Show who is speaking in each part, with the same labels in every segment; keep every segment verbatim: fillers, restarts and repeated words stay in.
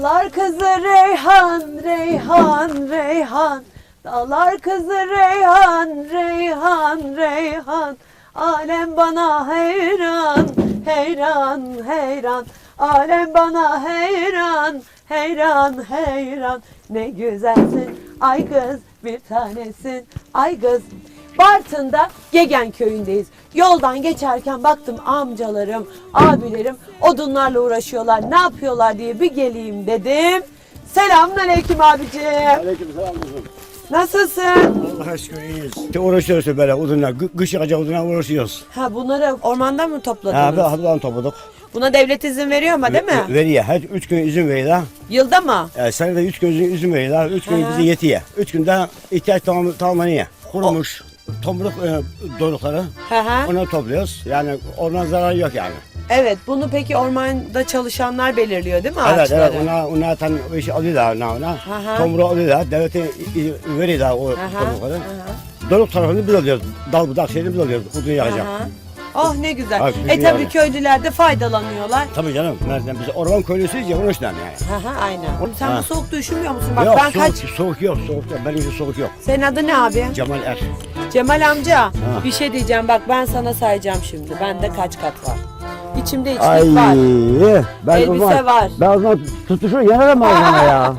Speaker 1: Dağlar kızı Reyhan, Reyhan, Reyhan. Dağlar kızı Reyhan, Reyhan, Reyhan. Alem bana hayran, hayran, hayran. Alem bana hayran, hayran, hayran. Ne güzelsin ay kız, bir tanesin ay kız. Bartın'da Gegen köyündeyiz. Yoldan geçerken baktım amcalarım, abilerim odunlarla uğraşıyorlar. Ne yapıyorlar diye bir geleyim dedim. Selamünaleyküm abicim.
Speaker 2: Aleykümselam kızım.
Speaker 1: Nasılsın?
Speaker 2: Allah aşkına iyiyiz. İşte uğraşıyoruz böyle odunlar. Kış yağacak odunlar uğraşıyoruz.
Speaker 1: Ha bunları ormandan mı
Speaker 2: Ha,
Speaker 1: topladınız?
Speaker 2: bir haftadan topladık.
Speaker 1: Buna devlet izin veriyor mu değil mi?
Speaker 2: Veriyor. Her üç gün izin veriyor.
Speaker 1: Yılda mı?
Speaker 2: Yani senede üç gün izin veriyor. Üç gün
Speaker 1: Aha.
Speaker 2: bize yetiyor. Üç günde ihtiyaç tamam, tamamlanıyor. Kurumuş tomruk e, dorukları.
Speaker 1: Hı hı.
Speaker 2: Onları topluyoruz. Yani oradan zarar yok yani.
Speaker 1: Evet, bunu peki ormanda çalışanlar belirliyor değil mi
Speaker 2: Evet,
Speaker 1: ağaçları?
Speaker 2: evet. Ona, ona tan o işi alıyorlar ona. ona.
Speaker 1: Aha.
Speaker 2: Tomruğu alıyorlar. Devlete veriyorlar o
Speaker 1: Aha,
Speaker 2: tomrukları.
Speaker 1: aha.
Speaker 2: Doruk tarafını biz alıyoruz. Dal budak şeyini biz alıyoruz. Odun yakacak.
Speaker 1: Aha. Oh ne güzel.
Speaker 2: Ha,
Speaker 1: e
Speaker 2: güzel
Speaker 1: tabii
Speaker 2: yani.
Speaker 1: köylüler de faydalanıyorlar.
Speaker 2: Tabii canım. Nereden biz orman köylüsüyüz ya onun için yani.
Speaker 1: Aha, aynen. Sen
Speaker 2: Ha.
Speaker 1: bu soğukta üşümüyor musun? Bak
Speaker 2: Yok
Speaker 1: ben
Speaker 2: soğuk,
Speaker 1: kaç...
Speaker 2: soğuk yok, soğuk yok. Benim için soğuk yok.
Speaker 1: Senin adı ne abi?
Speaker 2: Cemal Er.
Speaker 1: Cemal amca. Bir şey diyeceğim bak ben sana sayacağım şimdi. Bende kaç kat var? İçimde içlik
Speaker 2: Ay,
Speaker 1: var.
Speaker 2: ben
Speaker 1: Elbise
Speaker 2: o zaman,
Speaker 1: var.
Speaker 2: Ben o zaman tutuşur yanarım ağzına ya.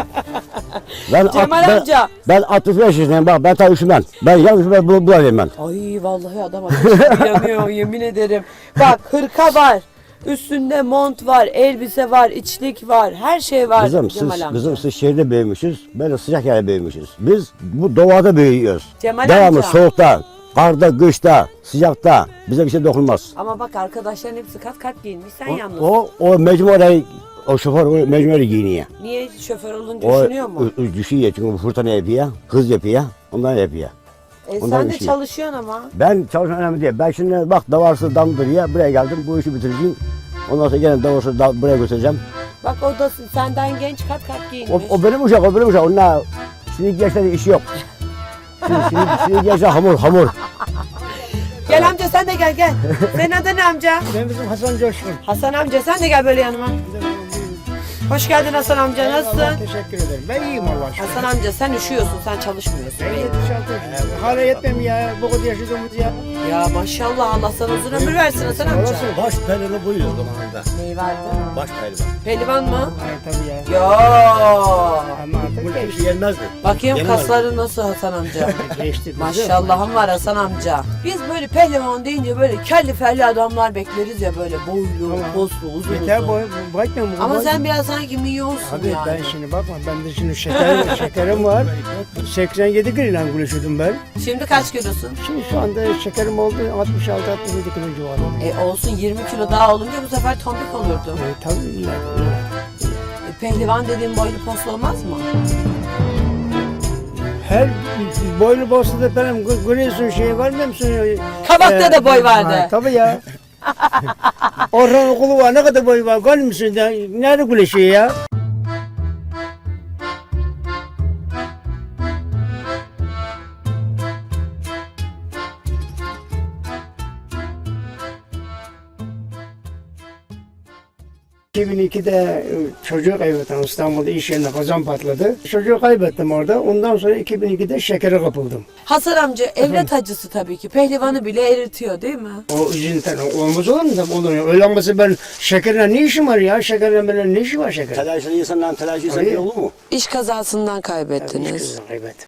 Speaker 2: Ben,
Speaker 1: Cemal
Speaker 2: at, ben,
Speaker 1: amca.
Speaker 2: Ben altmış beş yaşındayım bak ben tabii üşümem. Ben yalnız ben bu, bulayım ben.
Speaker 1: Ay vallahi adam ateşi yanıyor yemin ederim. Bak hırka var. Üstünde mont var, elbise var, içlik var, her şey var.
Speaker 2: Kızım
Speaker 1: Cemal
Speaker 2: siz,
Speaker 1: amca.
Speaker 2: kızım siz şehirde büyümüşüz. Böyle sıcak yerde büyümüşüz. Biz bu doğada büyüyoruz.
Speaker 1: Cemal
Speaker 2: Devamlı
Speaker 1: amca.
Speaker 2: soğukta, karda, kışta, sıcakta bize bir şey dokunmaz.
Speaker 1: Ama bak arkadaşların hepsi kat kat giyinmiş sen yalnız.
Speaker 2: O, o mecbur orayı, o şoför o mecbur orayı giyiniyor.
Speaker 1: Niye şoför olunca
Speaker 2: O
Speaker 1: üşünüyor mu?
Speaker 2: ü- ü- düşüyor çünkü bu fırtına yapıyor, hız yapıyor, ondan yapıyor.
Speaker 1: E,
Speaker 2: ondan
Speaker 1: sen de
Speaker 2: üşüyor.
Speaker 1: çalışıyorsun ama.
Speaker 2: Ben çalışan önemli değil. Ben şimdi bak davarsız damdır ya buraya geldim bu işi bitireceğim. Ondan sonra gene davarsız da buraya götüreceğim.
Speaker 1: Bak o da senden genç kat kat
Speaker 2: O,
Speaker 1: giyinmiş.
Speaker 2: o benim uşak, o benim uşak. Onlar şimdi gençlerin işi yok. Şimdi, şimdi, şimdi gençler hamur, hamur.
Speaker 1: Gel amca sen de gel gel. Senin adın ne amca?
Speaker 3: Ben bizim Hasan Coşkun.
Speaker 1: Hasan amca sen de gel böyle yanıma. Hoş geldin Hasan amca nasılsın?
Speaker 3: Teşekkür ederim. Ben iyiyim Allah aşkına.
Speaker 1: Hasan amca sen üşüyorsun sen çalışmıyorsun.
Speaker 3: Ben yetmiş altı yaşındayım. Hala yetmem ya. Bu kadar yaşadığımız ya.
Speaker 1: Ya maşallah Allah sana uzun ömür versin Hasan amca.
Speaker 2: Baş pehlivanı buyuyor zamanında.
Speaker 1: Neyi vardı?
Speaker 2: Baş pehlivan.
Speaker 1: Pehlivan mı?
Speaker 3: Hayır tabii ya.
Speaker 1: Yo.
Speaker 3: Ama
Speaker 2: Bunu
Speaker 3: artık
Speaker 2: kimse yenmezdi.
Speaker 1: Bakayım
Speaker 2: Yenemez.
Speaker 1: kasları nasıl Hasan amca?
Speaker 3: geçti.
Speaker 1: Maşallahım var Hasan amca. Biz böyle pehlivan deyince böyle kelli felli adamlar bekleriz ya böyle boylu,
Speaker 3: Tamam.
Speaker 1: poslu, uzun
Speaker 3: Yeter
Speaker 1: uzun.
Speaker 3: boy, bakmıyorum. bu
Speaker 1: Ama
Speaker 3: boy-
Speaker 1: sen biraz sanki milyonsun
Speaker 3: Abi
Speaker 1: yani.
Speaker 3: ben şimdi bakma. Ben de şimdi şeker, şekerim var. seksen yedi kilo güleşiyordum ben.
Speaker 1: Şimdi kaç kilosun?
Speaker 3: Şimdi şu anda şekerim oldu altmış altı altmış yedi kilo civarında.
Speaker 1: E olsun yirmi kilo daha olunca bu sefer tombik olurdu.
Speaker 3: E, tabii illa.
Speaker 1: E, pehlivan dediğin boylu poslu olmaz mı?
Speaker 3: Her boylu bosta da benim görüyorsun şey var mı musun?
Speaker 1: Kabakta da boy vardı.
Speaker 3: Ha, tabii ya. Orhan okulu var ne kadar boy var görüyor musun? Ya, nerede güleşiyor ya? iki bin ikide çocuğu kaybettim İstanbul'da iş yerinde kazan patladı. Çocuğu kaybettim orada. Ondan sonra iki bin ikide şekere kapıldım.
Speaker 1: Hasan amca evlat acısı tabii ki. Pehlivanı bile eritiyor değil mi?
Speaker 3: O üzüntüden olmaz olur mu? Tabii olur. Öyle olmasa ben şekerle ne işim var ya? Şekerle benim ne işi var şeker?
Speaker 2: Telaşlı insandan telaşlı insan
Speaker 3: Tabii.
Speaker 2: olur mu?
Speaker 1: İş kazasından
Speaker 3: Hiç
Speaker 1: kaybettiniz.
Speaker 3: kızım kaybettim.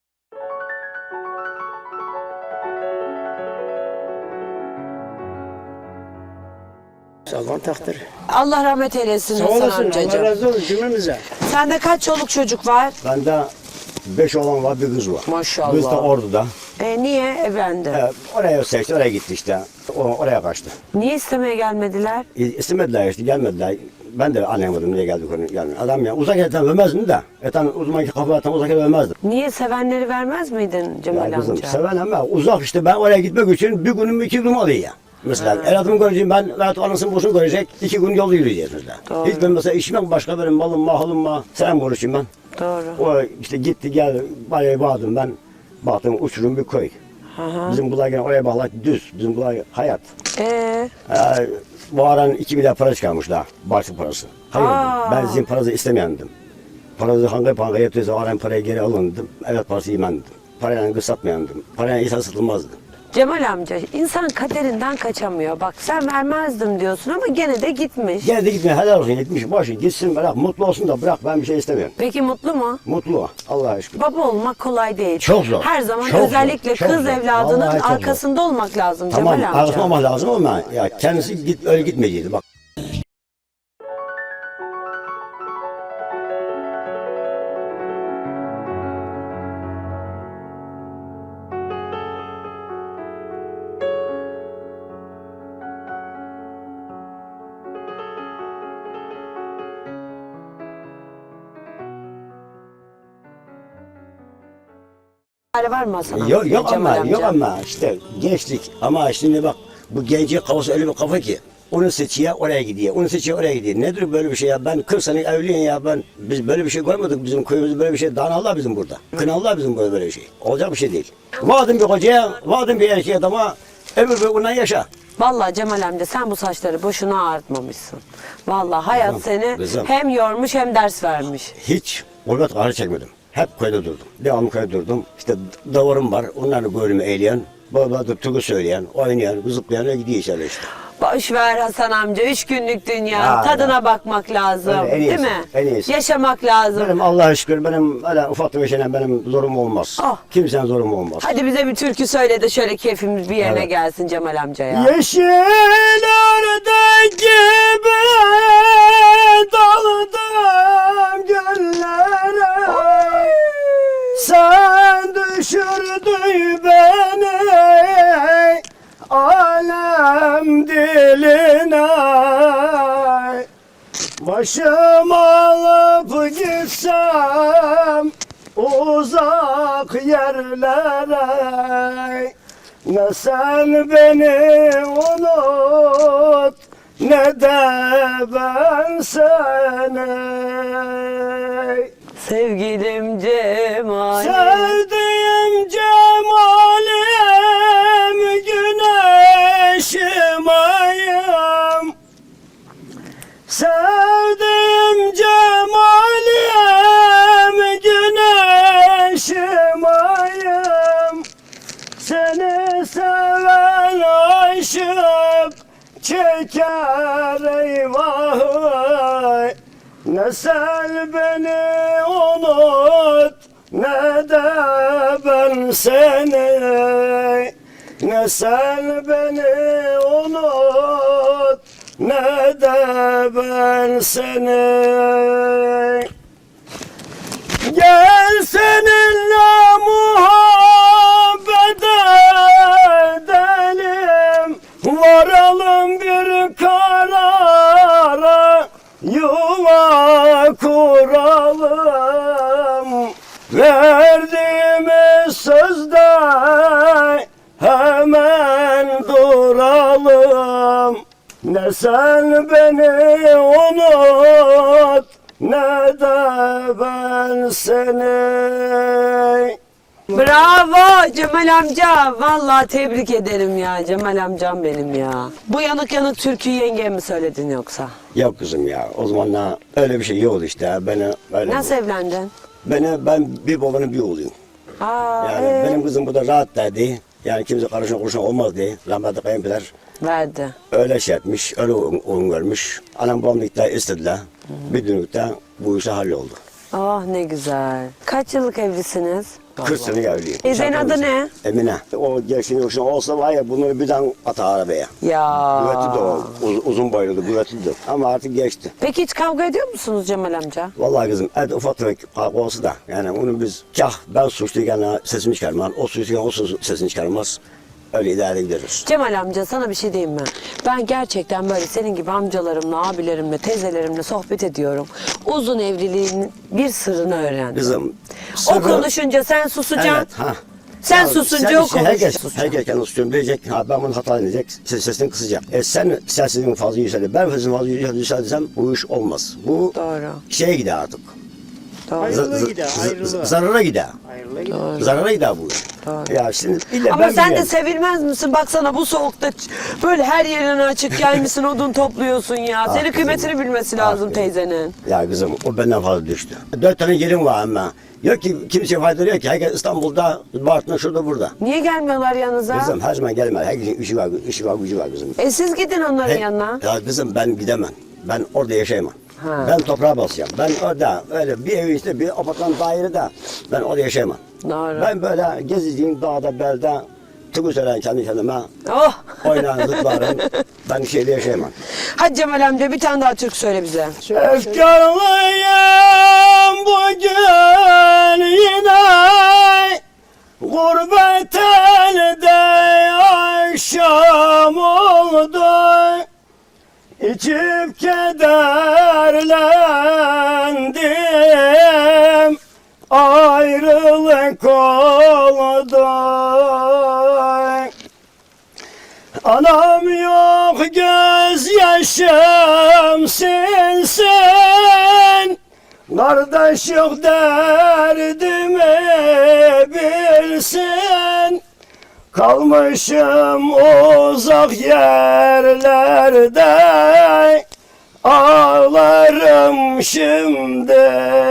Speaker 3: Allah'ın takdiri.
Speaker 1: Allah rahmet eylesin
Speaker 3: Sağ
Speaker 1: Hasan
Speaker 3: olasın. Allah
Speaker 1: amcacığım.
Speaker 3: razı olsun cümlemize.
Speaker 1: Sende kaç çoluk çocuk var?
Speaker 2: Bende beş oğlan var bir kız var.
Speaker 1: Maşallah.
Speaker 2: Kız da Ordu'da.
Speaker 1: E niye evlendi?
Speaker 2: Ee, oraya seçti, oraya gitti işte. O, oraya kaçtı.
Speaker 1: Niye istemeye gelmediler?
Speaker 2: İ- İstemediler işte, gelmediler. Ben de anlayamadım niye geldik onu. Yani adam ya uzak yerden vermezdim de. Etan uzmanki kafadan uzak yerden vermezdim.
Speaker 1: Niye sevenleri vermez miydin Cemal
Speaker 2: Ya kızım
Speaker 1: amca?
Speaker 2: seven ama uzak işte ben oraya gitmek için bir günüm iki günüm oluyor ya. Mesela evlatımı göreceğim ben rahat anasını boşunu görecek iki gün yol yürüyeceğiz mesela.
Speaker 1: Doğru.
Speaker 2: Hiç ben mesela işim yok başka benim malım mahalım var. Sen konuşayım ben.
Speaker 1: Doğru.
Speaker 2: O işte gitti geldi bayağı bağladım ben. Baktım uçurum bir köy.
Speaker 1: Hı hı.
Speaker 2: Bizim bunlar gene oraya bağlar düz. Bizim bunlar hayat.
Speaker 1: Ee,
Speaker 2: Ee, bu aran iki milyar para çıkarmış daha. Başlık parası. Hayır
Speaker 1: Aa.
Speaker 2: dedim. Ben sizin paranızı istemeyendim. Paranızı hangi banka yatıyorsa o aran parayı geri alın dedim. Evet parası yemendim. Parayla kız satmayandım. Parayla insan satılmazdı.
Speaker 1: Cemal amca insan kaderinden kaçamıyor. Bak sen vermezdim diyorsun ama gene de gitmiş.
Speaker 2: Gene de gitmeye helal olsun gitmiş. Boşun gitsin bırak. Mutlu olsun da bırak. Ben bir şey istemiyorum.
Speaker 1: Peki mutlu mu?
Speaker 2: Mutlu o. Allah'a şükür.
Speaker 1: Baba olmak kolay değil.
Speaker 2: Çok zor.
Speaker 1: Her zaman
Speaker 2: Çok
Speaker 1: özellikle
Speaker 2: zor. Çok
Speaker 1: kız
Speaker 2: zor.
Speaker 1: evladının
Speaker 2: Vallahi çok zor.
Speaker 1: arkasında olmak lazım
Speaker 2: Tamam
Speaker 1: Cemal amca.
Speaker 2: arkasında olmak lazım ama ya kendisi git, öyle gitmeyecekti. Bak.
Speaker 1: Var mı Hasan amca?
Speaker 2: Yok yok
Speaker 1: Cemal
Speaker 2: ama
Speaker 1: amca?
Speaker 2: yok ama işte gençlik ama şimdi bak bu gencin kafası öyle bir kafa ki onu seçiyor oraya gidiyor, onu seçiyor oraya gidiyor. Nedir böyle bir şey ya? Ben kırk sene evliyim ya ben biz böyle bir şey görmedik bizim köyümüzde böyle bir şey. Danallah bizim burada. Kınallah bizim burada böyle bir şey. Olacak bir şey değil. Vaadin bir kocaya, vaadin bir erkeğe adama ömür boyu ondan yaşa.
Speaker 1: Vallahi Cemal amca sen bu saçları boşuna ağartmamışsın. Vallahi hayat
Speaker 2: Kızım,
Speaker 1: seni
Speaker 2: kızım.
Speaker 1: hem yormuş hem ders vermiş.
Speaker 2: Hiç gurbet ağrı çekmedim. Hep köyde durdum. Devamlı köyde durdum. İşte davarım var. Onlarla gönlümü eğleyen, baba da türkü söyleyen, oynayan, zıplayan gidiyor içeri işte.
Speaker 1: Boş ver Hasan amca. Üç günlük dünya.
Speaker 2: Ya,
Speaker 1: tadına
Speaker 2: ya.
Speaker 1: bakmak lazım.
Speaker 2: Öyle, en iyisi,
Speaker 1: değil mi?
Speaker 2: en iyisi.
Speaker 1: Yaşamak lazım.
Speaker 2: Benim Allah'a şükür benim öyle ufak tefek şeyler benim zorum olmaz.
Speaker 1: Ah.
Speaker 2: Kimsenin zorum olmaz.
Speaker 1: Hadi bize bir türkü söyle de şöyle keyfimiz bir yerine
Speaker 2: Evet.
Speaker 1: gelsin Cemal amca ya.
Speaker 2: Yeşil ördek gibi daldım göllere. Sen düşürdün beni alem diline. Başım alıp gitsem uzak yerlere. Ne sen beni unut ne de ben seni.
Speaker 1: Sevgilim Cemal.
Speaker 2: Sevdiğim cemalim güneşim ayım. Sevdiğim cemalim güneşim ayım. Seni seven aşık çeker eyvah. Ne sen beni unut ne de ben seni. Ne sen beni unut ne de ben seni. Gel seninle muhabbet edelim, varalım bir karara, yuva kuralım. Verdiğimiz sözde hemen duralım. Ne sen beni unut ne de ben seni.
Speaker 1: Bravo Cemal amca. Vallahi tebrik ederim ya. Cemal amcam benim ya. Bu yanık yanık türküyü yengeye mi söyledin yoksa?
Speaker 2: Yok kızım ya o zamanlar öyle bir şey yoktu işte. Beni öyle
Speaker 1: Nasıl evlendin?
Speaker 2: Beni ben bir babanın bir oğluyum.
Speaker 1: Aa,
Speaker 2: Yani
Speaker 1: ee?
Speaker 2: benim kızım burada rahat derdi. Yani kimse karışan kuruşan olmaz diye. Rahmetli kayınpeder
Speaker 1: Verdi.
Speaker 2: öyle şey etmiş, öyle oyun görmüş. Anam babam da istediler. Bir dönükte bu işe halloldu.
Speaker 1: Oh ne güzel. Kaç yıllık evlisiniz?
Speaker 2: kırk sene evliyim.
Speaker 1: Eze'nin adı ne?
Speaker 2: Emine. O gençliğin yoksa olsa var ya bunları birden atar arabaya.
Speaker 1: Ya.
Speaker 2: Kuvvetli de o. Uz- uzun boyluydu, kuvvetli de. Ama artık geçti.
Speaker 1: Peki hiç kavga ediyor musunuz Cemal amca?
Speaker 2: Vallahi kızım, evet ufak tefek kavga olsa da yani onu biz kah ben suçluyken sesimi çıkarmam, o suçluyken o sus- sesini çıkarmaz. Öyle idare ederiz.
Speaker 1: Cemal amca sana bir şey diyeyim mi? Ben gerçekten böyle senin gibi amcalarımla, abilerimle, teyzelerimle sohbet ediyorum. Uzun evliliğin bir sırrını öğrendim.
Speaker 2: Kızım,
Speaker 1: O
Speaker 2: sırrı-
Speaker 1: konuşunca sen susacaksın.
Speaker 2: Evet, ha.
Speaker 1: Sen
Speaker 2: Ya
Speaker 1: susunca
Speaker 2: sen
Speaker 1: o
Speaker 2: işte
Speaker 1: konuşacak.
Speaker 2: Herkes, herkes kendi susuyorum diyecek, ha, ben bunu hata edecek, ses, sesini kısacak. E sen sesini fazla yükseldi, ben sesimi fazla yükseldiysem bu iş olmaz. Bu
Speaker 1: Doğru.
Speaker 2: şeye gider artık.
Speaker 1: Doğru.
Speaker 3: Ayrılığa
Speaker 2: Z-
Speaker 3: gider,
Speaker 2: z-
Speaker 3: ayrılığa.
Speaker 2: zarara gider.
Speaker 3: Hayırlı gider.
Speaker 2: Zarara gider bu.
Speaker 1: Doğru.
Speaker 2: Ya şimdi illa
Speaker 1: Ama
Speaker 2: ben
Speaker 1: sen de
Speaker 2: biliyorum.
Speaker 1: sevilmez misin? Baksana bu soğukta ç- böyle her yerin açık gelmişsin, odun topluyorsun ya. Senin
Speaker 2: kızım.
Speaker 1: kıymetini bilmesi lazım
Speaker 2: kızım.
Speaker 1: teyzenin.
Speaker 2: Ya kızım o benden fazla düştü. Dört tane gelin var ama. Yok ki kimseye fayda yok ki. Herkes İstanbul'da, Bartın'da, şurada, burada.
Speaker 1: Niye gelmiyorlar yanınıza?
Speaker 2: Kızım her zaman gelmez. Herkesin işi var, işi var, gücü var kızım.
Speaker 1: E siz gidin onların
Speaker 2: He-
Speaker 1: yanına.
Speaker 2: Ya kızım ben gidemem. Ben orada yaşayamam.
Speaker 1: Ha.
Speaker 2: Ben toprağa basacağım. Ben orada öyle bir evin içinde bir apartman dairede ben orada yaşayamam.
Speaker 1: Doğru.
Speaker 2: Ben böyle gezeceğim dağda, belde, türkü söyleyen kendi kendime,
Speaker 1: Oh.
Speaker 2: oynayan, zıplarım. Ben şeyde yaşayamam.
Speaker 1: Hadi Cemal amca bir tane daha türkü söyle bize.
Speaker 2: Efkarlıyım bugün yine gurbet elde akşam oldu. İçip kederlendim, ayrılık oldu. Anam yok gözyaşım sensin, kardeş yok derdimi bilsin. Kalmışım uzak yerlerde, ağlarım şimdi.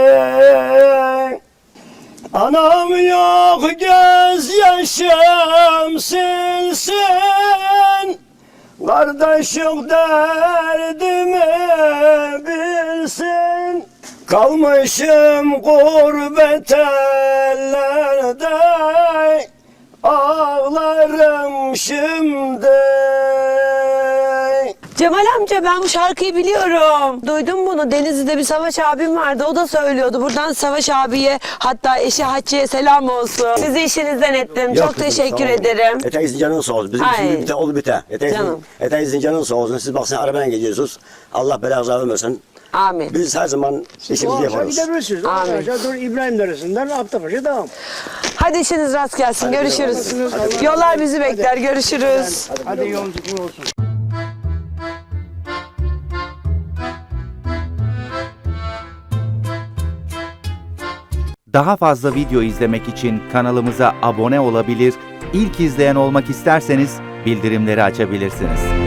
Speaker 2: Anam yok gözyaşım silsin, kardeş yok derdimi bilsin. Kalmışım gurbet ellerde, ağlarım şimdi.
Speaker 1: Cemal amca ben bu şarkıyı biliyorum. Duydum bunu. Denizli'de bir Savaş abim vardı. O da söylüyordu. Buradan Savaş abiye hatta eşi Hatice'ye selam olsun. Sizi işinizden ettim.
Speaker 2: Yok
Speaker 1: Çok
Speaker 2: kızım,
Speaker 1: teşekkür
Speaker 2: sağ olun.
Speaker 1: ederim.
Speaker 2: Eteğinizin canın sağ olsun. Bizim
Speaker 1: Ay.
Speaker 2: işimiz biter, oldu biter. Eteğinizin,
Speaker 1: Canım.
Speaker 2: eteğinizin canın sağ olsun. Siz baksana arabayla gidiyorsunuz. Allah belanızı vermesin.
Speaker 1: Amin.
Speaker 2: Biz her zaman
Speaker 3: O
Speaker 2: işimizi
Speaker 3: akşam
Speaker 2: yaparız.
Speaker 3: gidebilirsiniz. O
Speaker 1: Amin.
Speaker 3: aşağı doğru İbrahim Deresi'nden Aptapaşa devam.
Speaker 1: Hadi işiniz rast gelsin. Görüşürüz.
Speaker 3: Hadi.
Speaker 1: Yollar bizi bekler. Görüşürüz.
Speaker 3: Hadi yolculuk olsun.
Speaker 4: Daha fazla video izlemek için kanalımıza abone olabilir, ilk izleyen olmak isterseniz bildirimleri açabilirsiniz.